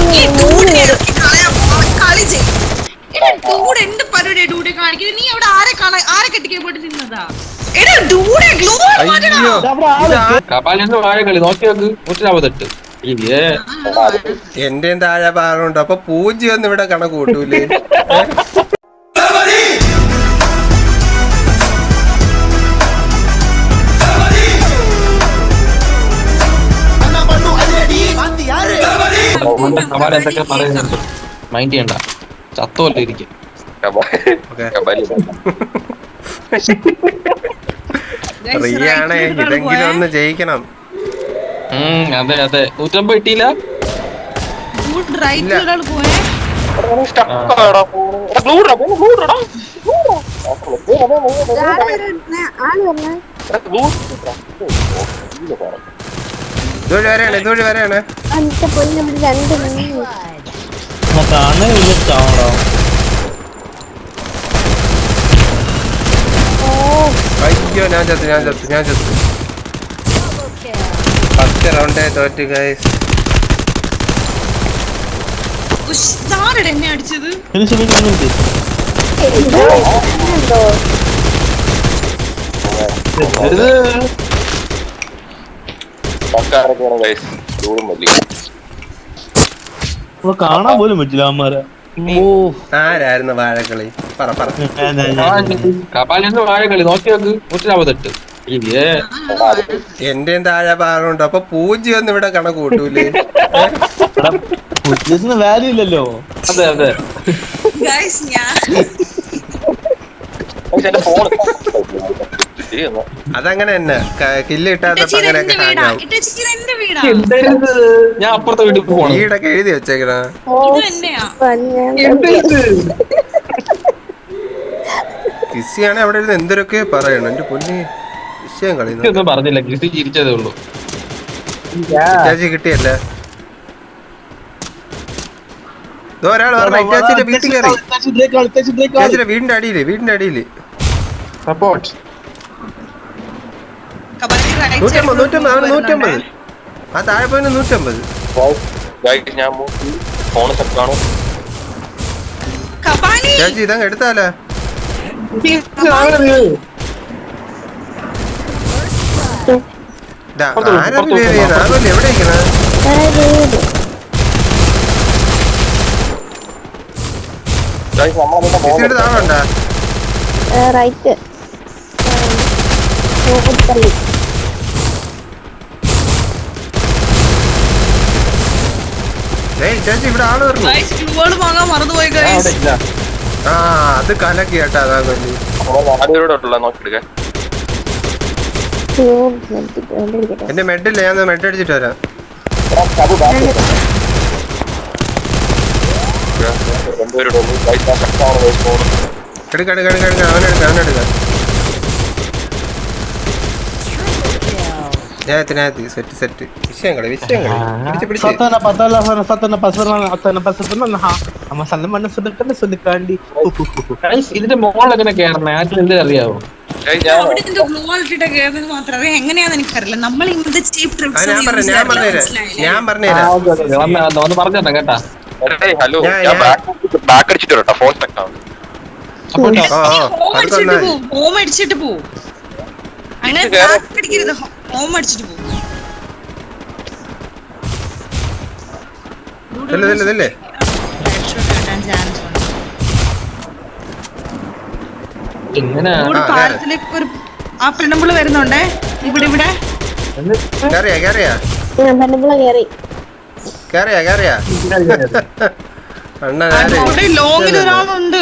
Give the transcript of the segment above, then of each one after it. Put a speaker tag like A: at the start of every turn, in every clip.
A: നീ അവിടെ ആരെ കെട്ടിക്കാൻ പോയിട്ട് നിന്നതാ?
B: എന്റെയും താഴെ ഭാഗമുണ്ട്. അപ്പൊ പൂജ്യം ഒന്നും ഇവിടെ കണക്ക് കൂട്ടൂലേ?
C: എന്തൊക്കെ പറയുന്നുണ്ട്, മൈൻഡ് ചെയ്യണ്ട, ചത്തോല്ലേ ഇരിക്കും.
B: റിയാണേ, ഇതെങ്കിലും ഒന്ന് ജയിക്കണം.
C: അതെ അതെ, 150 കിട്ടിയില്ല.
B: ഇതുവഴി വരെയാണ്. അയ്യോ, ഞാൻ ചത്തു. ഫസ്റ്റ് റൗണ്ടേ തോറ്റ് ഗൈസ്.
A: എന്നെ അടിച്ചത്
D: കാണാൻ പോലും പറ്റില്ല അവന്മാരെ.
B: ആരായിരുന്നു വാഴക്കളി?
C: കപാലിന്ന് വാഴക്കളി നോക്കി നോക്ക്, 148.
B: എന്റെയും താഴെ ഭാഗമുണ്ട്. അപ്പൊ പൂജ്യം ഒന്നും ഇവിടെ കണക്ക് കൂട്ടൂലേ?
D: വാല്യൂ ഇല്ലല്ലോ.
C: അതെ അതെ,
B: അതങ്ങനെ തന്നെ. കില്ല് കിട്ടാത്തപ്പോ അങ്ങനെയൊക്കെ ഹാങ്ങാവും.
C: ഞാൻ അപ്പുറത്തെ വീട്ടിൽ പോകണം.
B: വീടൊക്കെ എഴുതി വെച്ചേക്കണ. കിസിയാണെ അവിടെ ഇരുന്ന് എന്തൊക്കെ പറയണം. എന്റെ പൊന്നി, വിഷയം കളിയൊന്നും
C: പറഞ്ഞില്ല, കിസി ചിരിച്ചതേ ഉള്ളൂ.
B: ചേച്ചി കിട്ടിയല്ലേ? ഒരാൾ പറഞ്ഞു ഇറ്റാച്ചിന്റെ വീട്ടിൽ കയറി. ചേച്ചിയുടെ വീടിന്റെ അടിയില്
C: സപ്പോർട്ട്
B: 150. ആ താഴെ പോയിന് 150. ചേച്ചി ഇതങ്ങ് എടുത്താലോ? ആരല്ലേ എവിടെ ഇരിക്കണ? താണുണ്ടാ? ചേച്ചി ഇവിടെ ആള് പറഞ്ഞു. ആ, അത് കലക്കി കേട്ടാ. അതാ കൊല്ലി. എന്റെ മെഡില്ല, ഞാൻ മെഡ് അടിച്ചിട്ട് വരാം. എടുക്ക അവനെടുക്ക. സെറ്റ്. വിഷയം കളി.
C: ഇതിന്റെ മോൾ എങ്ങനെ കേറണേ? ആർക്കും അറിയാവോ?
A: എങ്ങനെയാന്ന് എനിക്കറിയില്ല. നമ്മൾ
B: ഞാൻ പറഞ്ഞുതരാം
C: കേട്ടാ.
E: ഹലോ, ബാക്ക് അടിച്ചിട്ട് വരട്ടോ. ഫോൺ സ്റ്റക്ക് ആണ്.
A: ഹോം അടിച്ചിട്ട് പോവും. അങ്ങനെ അടിക്കരുത്, ഹോം അടിച്ചിട്ട് പോവും. പാലത്തിലേക്ക് ഒരു ആ പെണ്ണുമ്പിള് വരുന്നുണ്ടേ. ഇവിടെ ലോങ്ങിൽ ഒരാളുണ്ട്.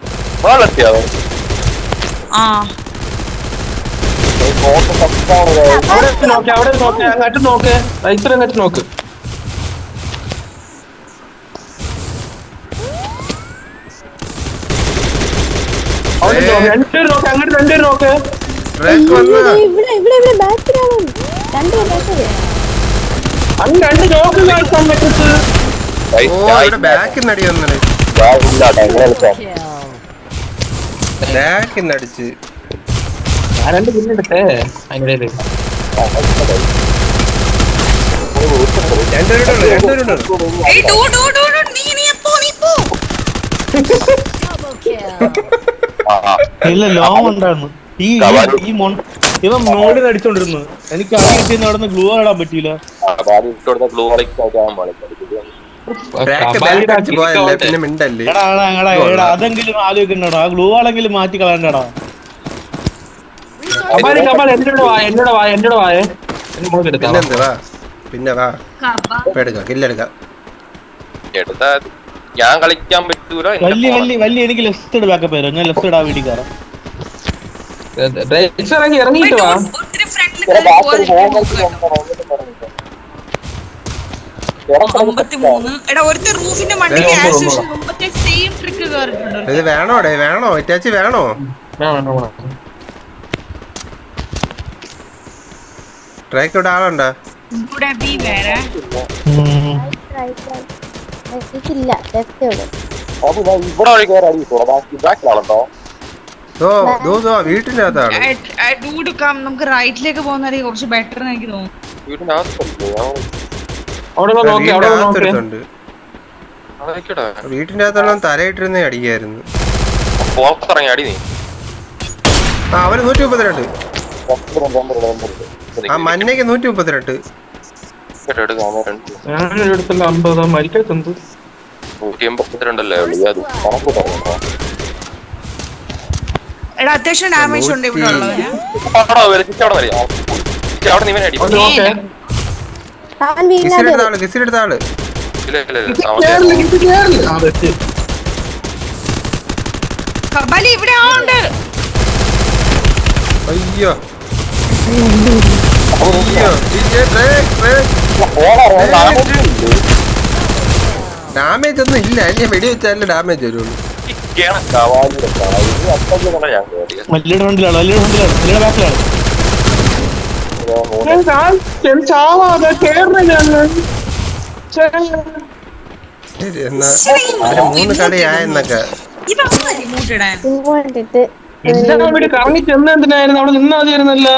C: അങ്ങോട്ട് നോക്ക്, അങ്ങോട്ട് നോക്ക്. രണ്ടുപേര് നോക്ക്.
B: ബാക്കിന്നടിച്ച്
C: ഞാൻ 2 പിന്നെടുത്തേ അതിനിടയില്.
B: രണ്ടുപേരുണ്ടോ
A: ഏയ് ഡൂ നീ പോ
D: ഇല്ല ലോങ് ഉണ്ടായിരുന്നു ഈ ഇവൻ മോളിൽ അടിച്ചോണ്ടിരുന്നു എനിക്ക് അടി കിട്ടിയെന്ന് അവിടെ നിന്ന് ഗ്ലൂ ഇടാൻ പറ്റിയില്ല.
B: പിന്നെ മിണ്ടല്ലേ.
D: എടാ അതെങ്കിലും ആലോചിക്കണ്ടോ, ആ ഗ്ലൂ ആണെങ്കിലും മാറ്റി കളയണ്ടടാ.
B: പിന്നെ വാ കില്ലെടുക്കാം.
E: ഞാൻ കളിക്കാൻ പറ്റൂല.
D: വലിയ എനിക്ക് ലെഫ്റ്റ് സൈഡ് ബാക്കപ്പ് വരും. ഞാൻ ലെഫ്റ്റ് സൈഡ് ആ വീട്ടിൽ കയറാം.
C: ഇറങ്ങിയിട്ട് വാ.
A: ഒത്തിരി ഫ്രണ്ടിൽ കയറി എടാ ഒരുത്ത റൂഫിന്റെ മണ്ടയ്ക്ക് സെയിം ട്രിക്ക് കയറിയിട്ടുണ്ട്.
B: ഇത് വേണോ ഇറ്റാച്ചി വേണോ? ട്രാക്ക് ഇവിടെ ആളുണ്ടോ?
A: ഇവിടെ ബി വേറെ
B: വീട്ടിന്റെ അകത്താണ്.
A: നമുക്ക് റൈറ്റിലേക്ക് പോകുന്നതായിരിക്കും കുറച്ച് ബെറ്റർ എന്ന് എനിക്ക് തോന്നുന്നു.
B: വീട്ടിന്റെ അകത്തുള്ള തലയിട്ടിരുന്നേ അടിക്കായിരുന്നു. അവന് 132. ആ മഞ്ഞയ്ക്ക് 132.
A: എടാ അത്യാവശ്യം ഡാമേജ് ഉണ്ട് ഇവിടെ ഉള്ളവന്.
B: കിസിലെടുത്ത ആള്
A: കബാലി ഇവിടെ ആളുണ്ട്.
B: അയ്യോ ഡാമേജ് ഒന്നും ഇല്ല. ഞാൻ വെടി വെച്ചാലേ ഡാമേജ് വരുള്ളൂ. ശരി എന്നാ 3 കളിയായെന്നൊക്കെ.
C: കറങ്ങി ചെന്നെന്തിനായിരുന്നു അവിടെ നിന്നാ മതിയായിരുന്നല്ലോ.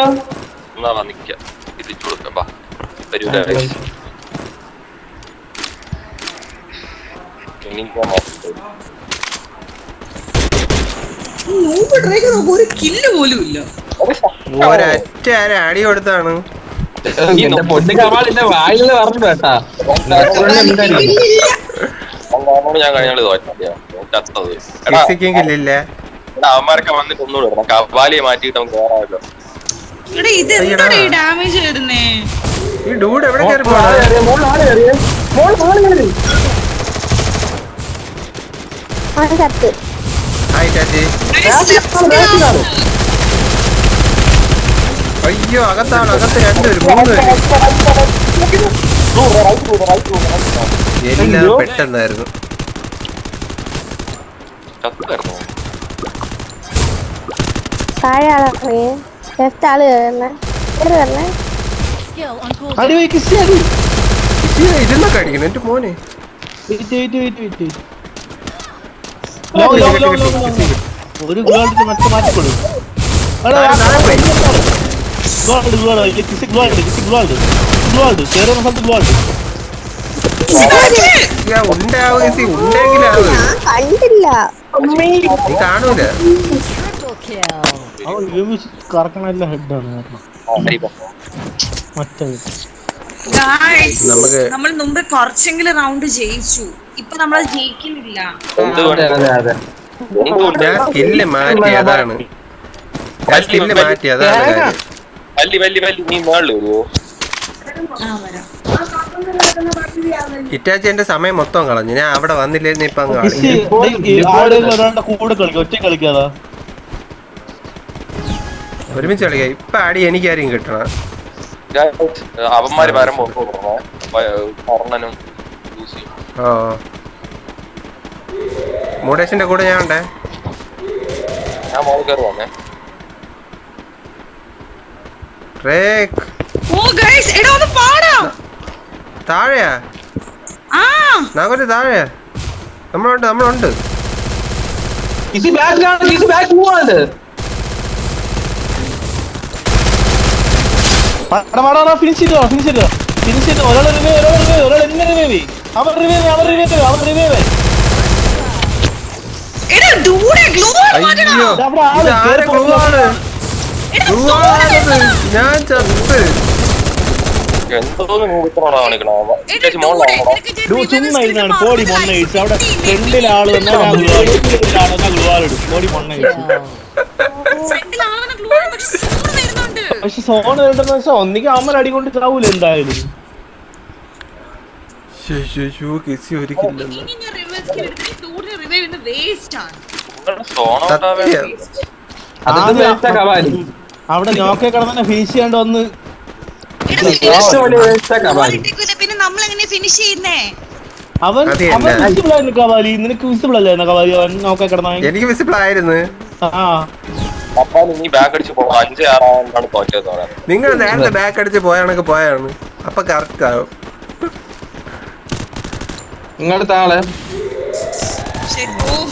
A: ഒരു കില്ല് പോലും ഇല്ല.
B: ഒരൊറ്റ അടി കൊടുത്താണ്.
C: വായില് പറഞ്ഞു കേട്ടാ.
E: ഞാൻ കഴിഞ്ഞ അവന്മാരൊക്കെ വന്നിട്ട് ഒന്നുകൂടെ കവാലിയെ മാറ്റിയിട്ട് നമുക്ക് കയറാമല്ലോ.
A: ഡാമേജ് വരുന്നേ.
B: ഈ ഡൂഡ് എവിടെ കയറി അയ്യോ അകത്താണ്. അകത്ത് 2 3 എല്ലാം പെട്ടെന്നായിരുന്നു. ഇരുന്നൊക്കെ അടിക്കണം എന്റെ മോനെ.
D: ഒരു ഗ്ലോഡ് മറ്റു മാറ്റിക്കൊടു.
B: കാണൂല.
D: കറക്കണല്ല ഹെഡാണ് മറ്റേത്.
A: നമ്മൾ മുമ്പ് കുറച്ചെങ്കിലും റൗണ്ട് ജയിച്ചു. ഇപ്പൊ നമ്മൾ ജയിക്കുന്നില്ല.
B: ഞാൻ സ്കില്ല് മാറ്റി അതാണ്. ഇറ്റാച്ചി എന്റെ സമയം മൊത്തം കളഞ്ഞു. ഞാൻ അവിടെ വന്നില്ലായിരുന്നു. ഇപ്പൊ അങ്ങ്
D: ഒറ്റ കളിക്കാതാ
B: ഒരുമിച്ച് കളിക്കാം. ഇപ്പൊ അടി എനിക്കാരും കിട്ടണം.
E: അവന്മാര് വരുമ്പോ
B: മോഡേഷന്റെ കൂടെ ഞാൻ ഉണ്ടേ.
E: ഞാൻ മോൾ കയറി വന്നേ.
B: താഴെയാ നാഗോല് താഴെയാ. നമ്മളുണ്ട്.
D: ഫിനിഷ് ചെയ്തോ. ഫിനിഷ് ഒരാൾ റിവൈവ് അവർ റിവൈവ്
A: എടാ ഡൂഡെ ഗ്ലൂ മാറ്റടാ.
B: അയ്യോ
D: അവിടെ ആള്
B: ഇതാരെ
D: കേറി
B: glue ആണ്?
A: എടാ
B: Glue ആണത്. ഞാൻ ചത്ത്
E: എന്തോന്ന് മൂത്രമാണോ കാണിക്കണോ
A: എടാ ഡൂഡെ നിനക്ക് ഞാൻ
D: ചുമ്മാ
A: reverse
D: ഇരുന്നാണ്
A: എടുത്ത്
D: ബോഡി
A: മാറുന്നത്
D: മൊണ്ണയിച്ച് അവിടെ
A: കിട്ടിയില്ലേ?
D: ഫ്രണ്ടിൽ ആള് വന്നാൽ ഗ്ലൂ ആളിടും ബോഡി മൊണ്ണയിച്ച്
A: ഫ്രണ്ടിൽ ആളുടെ ഗ്ലൂ ആണ് പക്ഷെ സോൺ വരുന്നുണ്ട്.
D: പക്ഷെ സോൺ വേണ്ടെന്ന് വെച്ചാൽ ഒന്നിക്ക് അമ്മ അടി കൊണ്ട് ചാവൂല എന്തായാലും
B: കിസി ഒരിക്കില്ലെന്ന്
A: ഇനി ഞാൻ റിവേഴ്സ് എടുത്തിട്ട് ഡൂഡിനെ റിവൈവ് ചെയ്യുന്നത് വേസ്റ്റ് ആണ്.
B: സത്യം
C: അതൊക്കെ വേസ്റ്റ് കവാലി.
D: അവിടെ നോക്കെ കിടന്നെ ഫിനിഷ് ചെയ്യാണ്ട് വന്ന്
A: എടാ,
C: ഏറ്റവും വലിയ വേസ്റ്റ് കവാലി.
A: ഇട്ടിട്ടില്ല, പിന്നെ നമ്മൾ എങ്ങനെ ഫിനിഷ് ചെയ്യുന്നേ?
D: അവൻ
B: അത്
D: അവൻ
B: തന്നെ.
D: വിസിബിൾ ആയിരുന്നു കവാലി നിനക്ക് വിസിബിൾ അല്ലായിരുന്നു കവാലി അവൻ നോക്കെ കിടന്ന
B: എനിക്ക് വിസിബിൾ ആയിരുന്നു.
D: ആ
E: അപ്പൊ നീ ബാക്ക് അടിച്ച് പോകും 5-6 ആവുമ്പോഴാണ് തോറ്റത് പറയുന്നത്.
B: നിങ്ങൾ നേരത്തെ ബാക്ക് അടിച്ച് പോയാണൊക്കെ പോയാണ് അപ്പൊ കറക്റ്റ് ആവും.
C: നിങ്ങളുടെ ആളെ
A: ശരി,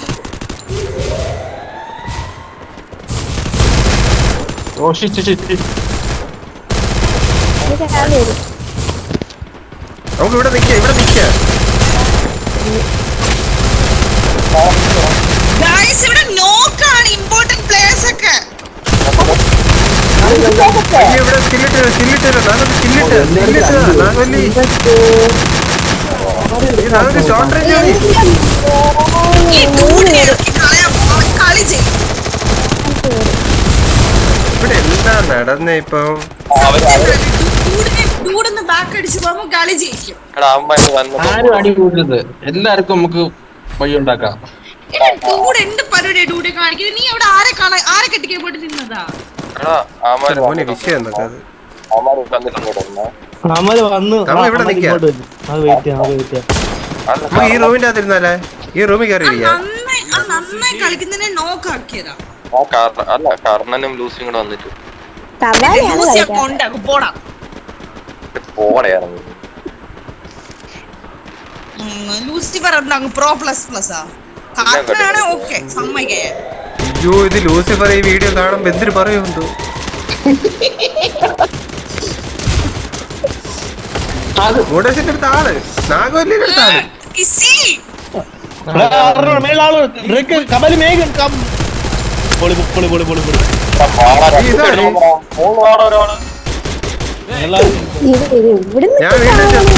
A: ഓ
C: ശിറ്റ്.
B: നമുക്ക് ഇവിടെ നിക്കാം
A: ഗൈസ് ഇവിടെ നോക്കാണ് ഇമ്പോർട്ടന്റ് പ്ലേയേഴ്സ് ഒക്കെ.
B: അയ്യോ ഇവിടെ സ്കില്ലിട്ട് നാഗവല്ലി ഷോർട്ട് റേഞ്ച് ആണ്.
A: ഈ ഡൂഡിനെ ഇറക്കി കളയാൻ അവൻ കളി ചെയ്യും.
B: ഇവിടെ എന്താ നടന്നേ ഇപ്പൊ?
A: ഡൂഡൊന്ന് ബാക്ക് അടിച്ച് പോകുമ്പോ കളി ജയിക്കും.
E: എടാ അവന്മാര് വന്ന്
C: ആരും അടി കൂടരുത്. എല്ലാവർക്കും നമുക്ക് വഴി ഉണ്ടാക്കാം.
A: എടാ ഡൂഡ് എന്ത് പരിപാടിയാ ഡൂഡെ കാണിക്കുന്നത്? നീ അവിടെ ആരെ കെട്ടിക്കാൻ പോയിട്ട് നിന്നതാ?
E: എടാ അവന്മാര്
B: മോനെ വിഷയം എന്നൊക്കെ അത്
E: അവന്മാര് വന്നിട്ടുണ്ടോ?
D: അമല് വന്ന്
B: നമ്മൾ ഇവിടെ നിക്കാം.
D: അത് വെയിറ്റ് ചെയ്യാം
B: നമുക്ക് ഈ റൂമിന്റെ അകത്തിരുന്നാലേ? ഈ റൂമിൽ കയറി ഇരിക്കാം.
A: നന്നായി കളിക്കുന്നതിനെ നോക്കാക്കിയതാ.
E: അല്ല കർണനും ലൂസിയും കൂടെ വന്നിട്ട്
A: കൊണ്ടാക്കും പോടാ.
E: പോടെയായിരുന്നു.
A: ലൂസിഫർ എന്താ പ്രോ പ്ലസ് പ്ലസാ? കാർട്ടനാണ് ഓക്കെ സമ്മതിക്കാൻ.
B: അയ്യോ ഇത് ലൂസിഫർ ഈ വീഡിയോ കാണുമ്പോ എന്തിനു പറയുമെന്തോ. മൂടേശന്റെ അടുത്ത ആള് നാഗവല്ലിയുടെ അടുത്ത ആള്.
D: കബലി മേഘൻ പൊളി
B: ഞാൻ വീണ്ടും ചത്ത്.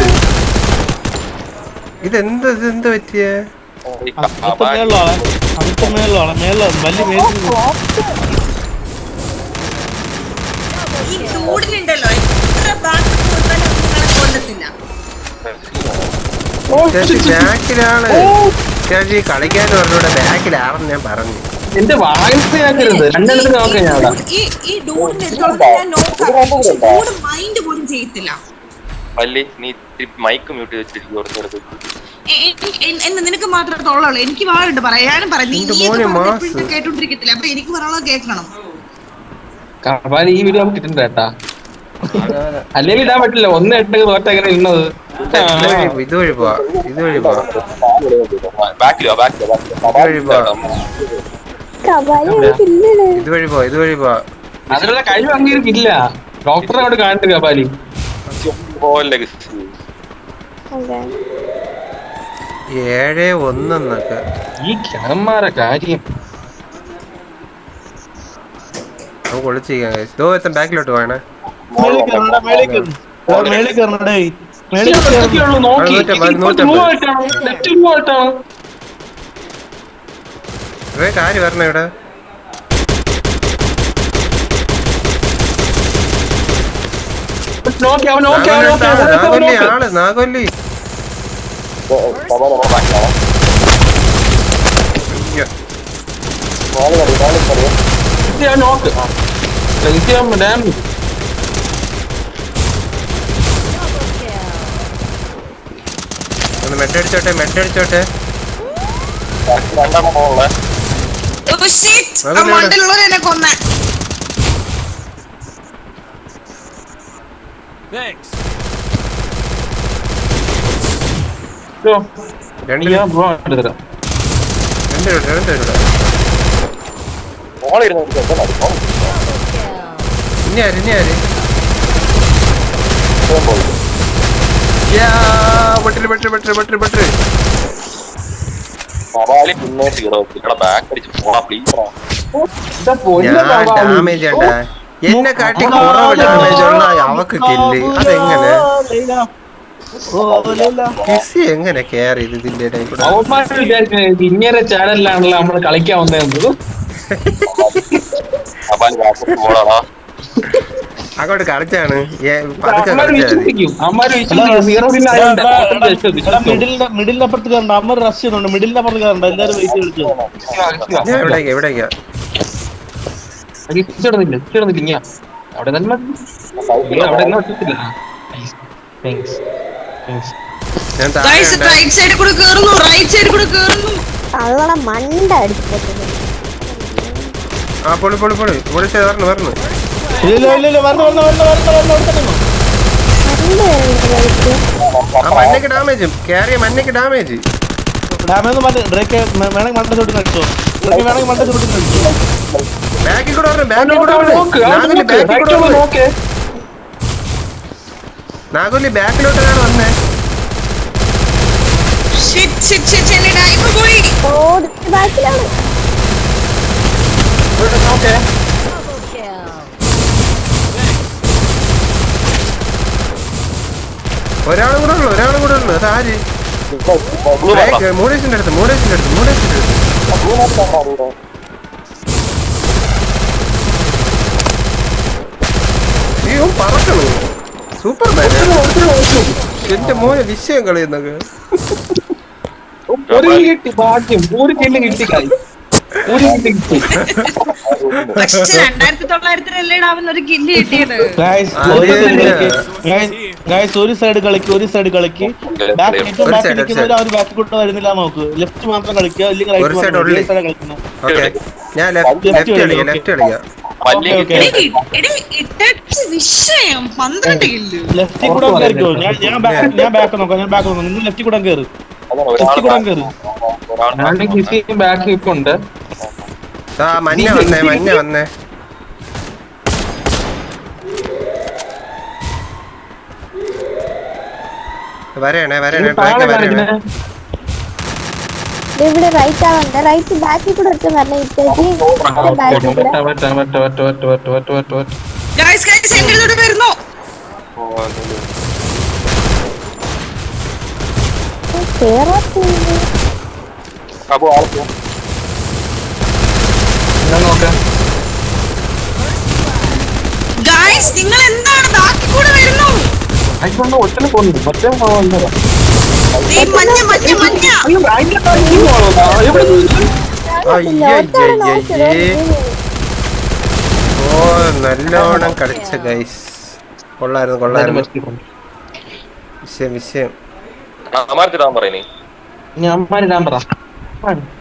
B: ഇതെന്ത് പറ്റിയേ?
A: ഈ ഡൂഡിനുണ്ടല്ലോ എത്ര ബാക്ക് കൊടുത്താലും നിങ്ങളെ കൊല്ലത്തില്ല.
B: ബാക്കിലാണ് കളിക്കാൻ പറഞ്ഞൂടെ, ബാക്കിലാണെന്ന് ഞാൻ പറഞ്ഞു.
C: എന്റെ വായിസ് കേൾക്കരുത്. രണ്ടെണ്ണത്തിന് നോക്കാം ഞാൻ അവിടെ.
A: ഈ ഡൂഡിന്റെ അടുത്തോളം ഞാൻ നോക്കാം, പക്ഷെ ഡൂഡ് മൈൻഡ് പോലും ചെയ്യത്തില്ല.
E: പല്ലി നീ മൈക്ക് മ്യൂട്ട് വെച്ചിരിക്കും.
A: എന്ന് നിനക്ക് മാത്രമേ തോന്നുള്ളൂ. എനിക്ക് വാഴുണ്ട് പറയാനും പറയാം. നീ കേട്ടോണ്ടിരിക്കത്തില്ല, അപ്പൊ എനിക്ക് പറയാനുള്ളത് കേൾക്കണം.
C: കവാലി ഈ വീഡിയോ നമുക്ക് കിട്ടുന്നുണ്ട് കേട്ടാ. അല്ലെങ്കിൽ ഇടാൻ പറ്റില്ല. 1-8 തോറ്റ എങ്ങനെ ഇന്നത്.
B: ഇതുവഴി പോവാ
C: അതിനുള്ള കഴിവ് അംഗീകരിക്കില്ല. ഡോക്ടറെ അവിടെ കാണിട്ട് കപാലി
B: 7-1
C: ഈ കിണന്മാരെ കാര്യം
B: നമുക്ക് ഒളിച്ചിരിക്കാം. ബാക്കിലോട്ട് വേണേ. കാര്യം വരണ ഇവിടെ. നാഗവല്ലി മെട്ടടിച്ചോട്ടെ.
A: മണ്ടിലുള്ളവരെന്നെ കൊന്ന.
B: ഇനി ആര്
E: കവാലി പിന്നെ സീറോ ഇവിടെ ബാക്ക് അടിച്ച് പോടാ പ്ലീസ്
B: ഡാമേജ് ഉണ്ടാ എന്നെ കാട്ടി കുറവ് ഡാമേജ് ഉള്ള അവക്ക് കില്ല് അതെങ്ങനെ കിസി എങ്ങനെ കെയർ ചെയ്ത് ഇതിന്റെ ഇടയിൽ കൂടെ
C: ഇങ്ങനെ ചാനലിലാണല്ലോ നമ്മള് കളിക്കാൻ വന്നത്.
E: കവാലി ബാക്ക് പോടാ
B: അങ്ങോട്ട് കളിച്ചാണ്
D: മിഡിലിന്റെ അപ്പുറത്ത് കയറണ്ട. അമ്മ റഷ് ചെയ്യുന്നുണ്ട്. മിഡിലിന്റെ അപ്പുറത്ത് കയറണ്ട. എല്ലാരും വെയിറ്റ് കളിച്ചു.
B: എവിടേക്കാ
C: അവിടെ തന്നെ അവിടെ
B: ഞാൻ
A: Guys, right side കൂടെ കേറുന്നു, right side കൂടെ കേറുന്നു.
F: തള്ളട മണ്ട അടിച്ചിട്ട്
B: ആ പൊളി വരണം ആ മഞ്ഞക്ക് ഡാമേജ് കേറിയ മഞ്ഞക്ക് ഡാമേജ്
D: വേണമെങ്കിൽ മണ്ട ചോട്ടി കളിച്ചോ. വേണമെങ്കിൽ മണ്ട ചോട്ടി കളിച്ചോ.
B: ബാക്കിൽ കൂടെ വരണം നാഗുലി ബാക്കിലോട്ടാണ് വന്നേ.
A: Shit, എന്റെ ഡൈവ് പോയി.
F: ബാക്കിലാണ്
B: ഒരാളും കൂടെ ഉള്ളു അതാര് മൂടേശിന്റെ അടുത്ത് അയ്യോ പറക്കണു സൂപ്പർ മാൻ എന്റെ മോനെ വിഷയം കളിയുന്നൊക്കെ
C: ഭാഗ്യം ഒരു കില്ല് കിട്ടി
A: പക്ഷെ 2900 ആവുന്ന ഒരു കില്ല് കിട്ടിയത്.
D: ഒരു സൈഡ് കളിക്ക് ബാക്ക് കൂടെ വരുന്നില്ല. നോക്ക് ലെഫ്റ്റ് മാത്രം കളിക്കുക. അല്ലെങ്കിൽ റൈറ്റ് കളിക്കുന്നത്.
B: ഞാൻ ലെഫ്റ്റ് കളിക്കാം
A: വിഷയം 12 കില്ല്.
D: ലെഫ്റ്റിൽ കൂടെ കയറിക്കോ. ഞാൻ ബാക്ക് നോക്കാം. നിങ്ങൾ ലെഫ്റ്റിൽ കൂടെ കയറി.
C: ബാക്ക് ഇപ്പൊ ഉണ്ട്.
B: മഞ്ഞ വന്നേ വരണേ
F: ഇവിടെ റൈറ്റ് ആവണ്ട. റൈറ്റ് ബാക്കിൽ കൂടെ ഒറ്റ വരണം. ഇട്ടേക്ക് ബാക്കിൽ കൂടെ
A: Guys, എന്റെ അടുത്തോട്ട് വരുന്നു. Guys, നിങ്ങൾ എന്താണ് ബാക്കി കൂടെ വരുന്നു?
C: ഒറ്റ പോകുന്നു മറ്റേ
A: ഈ മഞ്ഞ
B: ഓ നല്ലോണം കളിച്ച ഗൈസ്. കൊള്ളായിരുന്നു വിഷയം
E: അമാർത്തിടാൻ പറയുന്നേ
C: ഞാൻ പറ